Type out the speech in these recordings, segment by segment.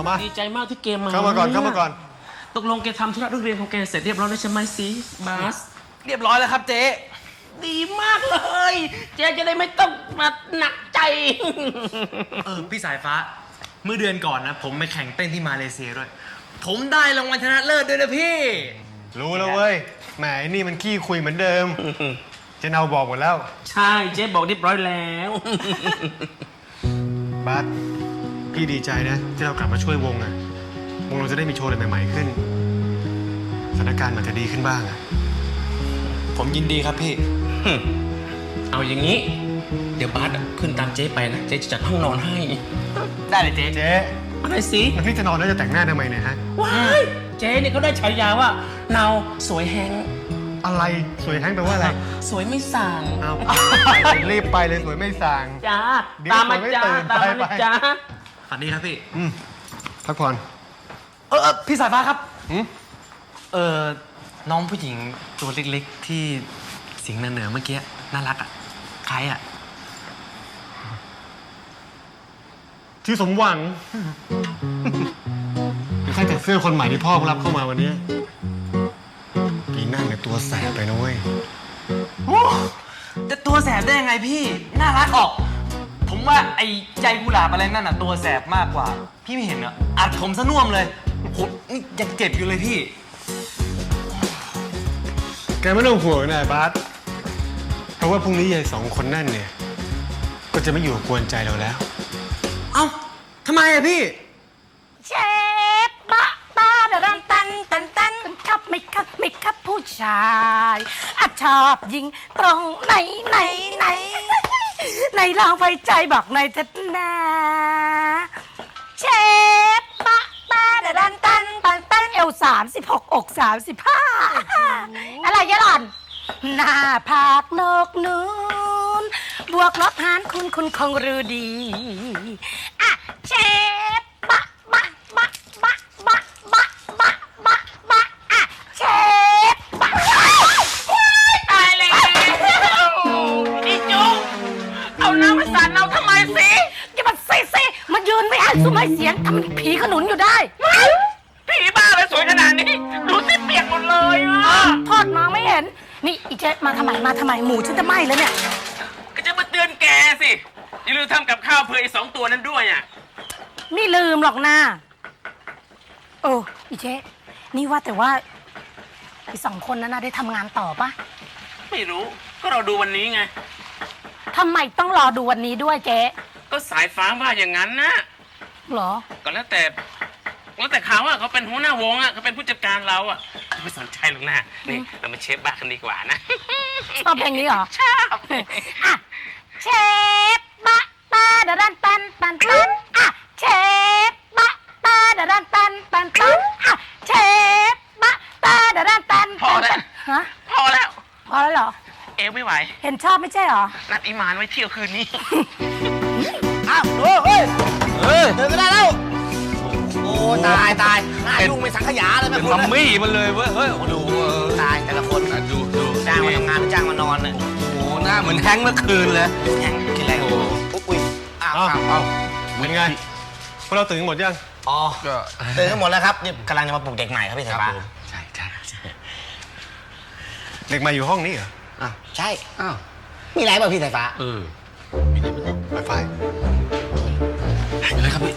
เอามาดีใจมากที่เกมมาเข้ามาก่อนตกลงแกทำธุระเรื่องเรียนของแกเสร็จเรียบร้อยแล้วใช่ไหมซีบาสเรียบร้อยแล้วครับเจ๊ดีมากเลย เจ๊จะได้ไม่ต้องมาหนักใจพี่สายฟ้าเมื่อเดือนก่อนนะผมไปแข่งเต้นที่มาเลเซียด้วยผมได้รางวัลชนะเลิศด้วยนะพี่รู้แล้วเว้ยแหมไอ้นี่มันขี้คุยเหมือนเดิมเจนเอาบอกหมดแล้วใช่เจ๊บอกเรียบร้อยแล้วบัสพี่ดีใจนะที่เรากลับมาช่วยวงอะวงเราจะได้มีโชว์อะไรใหม่ๆขึ้นสถานการณ์มันจะดีขึ้นบ้างอะผมยินดีครับพี่เอาอย่างนี้ เดี๋ยวบาสขึ้นตามเจ๊ไปนะ เจ๊จะจัดห้องนอนให้ได้เลยเจ๊เจ๊อะไรสิแล้วพี่จะนอนแล้วจะแต่งหน้าทำไมเนี่ยฮะว้ายเจ๊เนี่ยเขาได้ฉายาว่าเนาสวยแฮงอะไรสวยแฮงแปลว่าอะไรสวยไม่สั่งเอารีบไปเลยสวยไม่สั่งจ้าเดี๋ยวตามมาสวยไม่จ้าตื่นตามมาไปนะจ้าฝันดีครับพี่พักผ่อนพี่สายฟ้าครับหืมน้องผู้หญิงตัวเล็กๆที่เสียงเหนือๆเมื่อกี้น่ารักอ่ะใครอ่ะที่สมหวังเป็นแค่แต่เสื้อคนใหม่ที่พ่อรับเข้ามาวันนี้ปีนั่นเนี่ยตัวแสบไปนะเว้ยจะตัวแสบได้ยังไงพี่น่ารักออก ผมว่าไอ้ใจกุหลาบอะไรนั่นน่ะตัวแสบมากกว่า พี่ไม่เห็นเหรออัดผมซะน่วมเลยโหนี่ยังเจ็บอยู่เลยพี่แกไม่ต้องห่วงนะบาสเพราะว่าพรุ่งนี้ยายสองคนนั่นเนี่ยก็จะไม่อยู่กวนใจเราแล้วเอ้าทำไมอะพี่เชฟบะตาดรันตันตันตันครับไม่ครับผู้ชายอะชอบยิงตรงไหนลองไฟใจบอกหน่อยเถิดนะเชฟบะตาดรันตันเอว36อก35อะไรยะหล่อนหน้าผากนกนูนบวกลบหารคุณคงรู้ดีอ่ะเชฟบะอ่ะเชฟบะตายแล้วอีจุ๊กเอาน้ำมาสาดเราทำไมสิอย่ามาซิมันยืนไม่ให้ซุ้มให้เสียงทำเป็นผีขนุนอยู่ได้ผีบ้าเลยสวยขนาดนี้ ดูสิเปียกหมดเลยอ่ะทอดมองไม่เห็นนี่อีเจ๊มาทำไมหมูฉันจะไหม้แล้วเนี่ยก็จะมาเตือนแกสิ อย่าลืมทำกับข้าวเผื่อไอ้2 ตัวนั้นด้วยอ่ะไม่ลืมหรอกนะโอ้อีเจ๊นี่ว่าแต่ว่าไอ้2 คนนั้นนะได้ทำงานต่อปะไม่รู้ ก็เราดูวันนี้ไงทำไมต้องรอดูวันนี้ด้วยเจ๊ก็สายฟ้าว่าอย่างนั้นนะเหรอก็แล้วแต่เขาอะเขาเป็นหัวหน้าวงอะเขาเป็นผู้จัดการเราอะไม่สนใจหรอกนะนี่เรามาเชฟบ้ากันดีกว่านะชอบเพลงนี้เหรอชอบอ่ะเชฟบะตาดาดันตันอ่ะเชฟบะตาดาดันตันอ่ะเชฟบะตาดาดันตันพอแล้วฮะพอแล้วพอแล้วเหรอเอวไม่ไหวเห็นชอบไม่ใช่เหรอนัดอีมานไว้เที่ยวคืนนี้อ้าวเฮ้ยเดินก็ได้แล้ว โอ้ตายหน้ายุ่งไม่สังขยาเลยแม่เป็นคุณมัมมี่มันเลยเว้ยเฮ้ยดูตายแต่ละคนดูจ้างมาทำงานหรือจ้างมานอนเนี่ยโอ้หน้าเหมือนแฮงค์เมื่อคืนเลยแข่งกินอะไรอุ้ยอ้าวเป็นไงพวกเราตื่นกันหมดยังอ๋อตื่นกันหมดแล้วครับนี่กำลังจะมาปลุกเด็กใหม่ครับพี่สายฟ้าใช่เด็กมาอยู่ห้องนี้เหรออ้าวใช่อ้าวมีอะไรบ้างพี่สายฟ้าไฟไฟอะไรครับพี่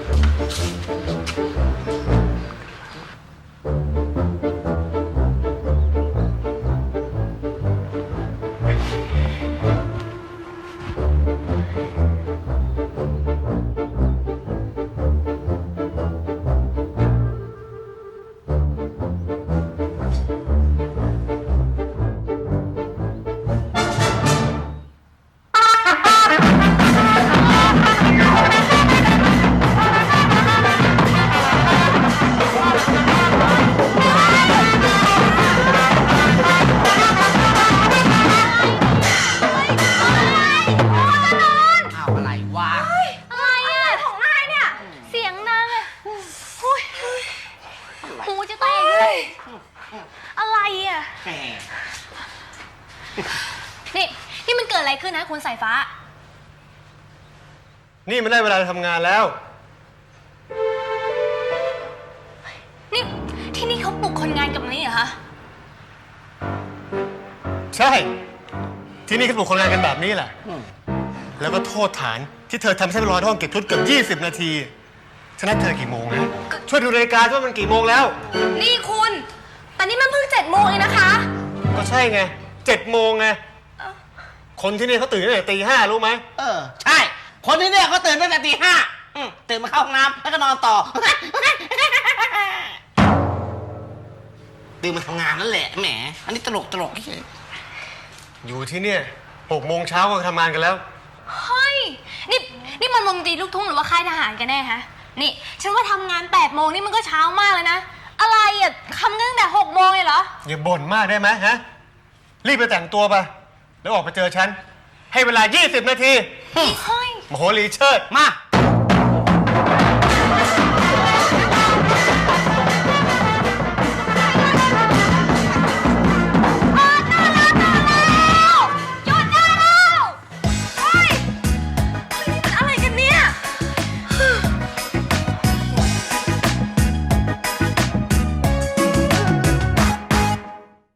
อ้าวอะไรวะอะไรอะของนายเนี่ย เสียงนางอะหูยหูจะแตกเลยอะไรอะนี่มันเกิดอะไรขึ้นนะคุณสายฟ้านี่มันได้เวลาทำงานแล้วนี่ที่นี่เขาปลุกคนงานกับนี้เหรอคะใช่ ที่นี่เขาปลุกคนงานกันแบบนี้แหละ แล้วก็โทษฐานที่เธอทำให้รอห้องเก็บชุดเกือบ20 นาทีฉันนัดเธอกี่โมงนะ ช่วยดูนาฬิกาว่ามันกี่โมงแล้วนี่คุณแต่นี่มันเพิ่ง7 โมงเองนะคะก็ใช่ไง7 โมงไง คนที่นี่เขาตื่นตั้งแต่ตี 5รู้ไหมใช่ คนที่เนี่ยเขาตื่นตั้งแต่ตี 5ตื่นมาเข้าห้องน้ำแล้วก็นอนต่อ ตื่นมาทำงานนั่นแหละแหมอันนี้ตลกเฉยอยู่ที่เนี่ย6 โมงเช้าก็ทำงานกันแล้วเฮ้ย นี่มันวงดนตรีลูกทุ่งหรือว่าค่ายทหารกันแน่ฮะ นี่ฉันว่าทำงาน8 โมงนี่มันก็เช้ามากเลยนะ อะไรอ่ะทำกันตั้งแต่6 โมงเลยเหรออย่าบ่นมากได้ไหมฮะ รีบไปแต่งตัวไป แล้วออกไปเจอฉัน ให้เวลา20 นาทีเฮ้ยมโหรีเชิดมา